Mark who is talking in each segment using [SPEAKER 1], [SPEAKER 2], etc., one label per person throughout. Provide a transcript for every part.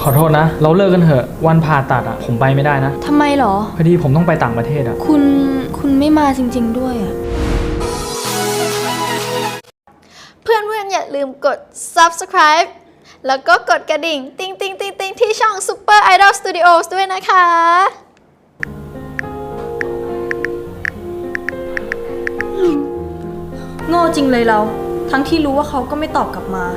[SPEAKER 1] ขอโทษนะเราเลิกกันเถอะวันผ่าตัดอะผมไปไม่ได้นะ
[SPEAKER 2] ทำไมหรอ
[SPEAKER 1] พอดีผมต้องไปต่างประเทศอะ
[SPEAKER 2] คุณไม่มาจริงๆด้วยอะ
[SPEAKER 3] เพื่อนๆอย่าลืมกด subscribe แล้วก็กดกระดิ่งติ๊งติ๊งติ๊งติ๊งที่ช่อง Super Idol Studios ด้วยนะคะ
[SPEAKER 2] โง่จริงเลยเราทั้งที่รู้ว่าเขาก็ไม่ตอบกลับมา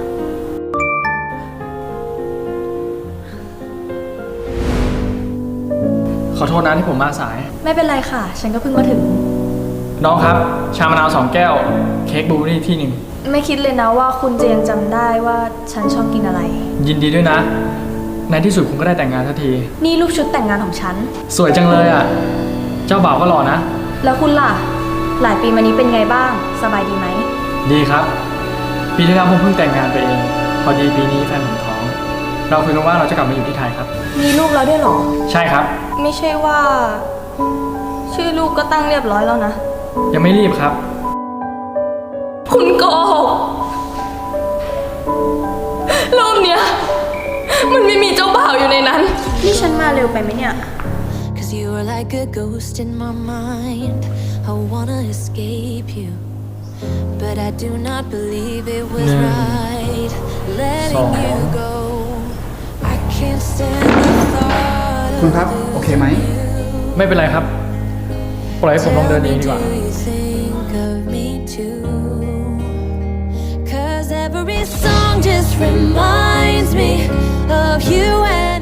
[SPEAKER 1] ขอโทษนะที่ผมมาสาย
[SPEAKER 2] ไม่เป็นไรค่ะฉันก็เพิ่งมาถึง
[SPEAKER 1] น้องครับชามะนาว2 แก้วเค้กบลูเบอร์รี่ที่ 1
[SPEAKER 2] ไม่คิดเลยนะว่าคุณจะยังจำได้ว่าฉันชอบกินอะไร
[SPEAKER 1] ยินดีด้วยนะในที่สุดคุณก็ได้แต่งงานสักที
[SPEAKER 2] นี่รูปชุดแต่งงานของฉัน
[SPEAKER 1] สวยจังเลยอ่ะเจ้าบ่าวก็หล่อนะ
[SPEAKER 2] แล้วคุณล่ะหลายปีมานี้เป็นไงบ้างสบายดีไหม
[SPEAKER 1] ดีครับปีที่แล้วผมเพิ่งแต่งงานไปเองพอดีปีนี้แฟนผมท้องเราคุยกันว่าเราจะกลับมาอยู่ที่ไทยครับ
[SPEAKER 2] มีลูกแล้วด้วยหรอ
[SPEAKER 1] ใช่ครับ
[SPEAKER 2] ไม่ใช่ว่าชื่อลูกก็ตั้งเรียบร้อยแล้วนะ
[SPEAKER 1] ยังไม่รีบครับ
[SPEAKER 2] คุณโกหกรูปเนี้ยมันไม่มีเจ้าบ่าวอยู่ในนั้นนี่ฉันมาเร็วไปไหมเนี่ย
[SPEAKER 4] 'Cause you are like a ghost in my mind I wanna escape you But I do not believe it was right Letting you go I can't stand the thought
[SPEAKER 5] คุณครับโอเคไหม
[SPEAKER 1] ไม่เป็นไรครับปล่อยให้ผมลองเดินเองดีกว่า
[SPEAKER 4] Cause every song just reminds me of you and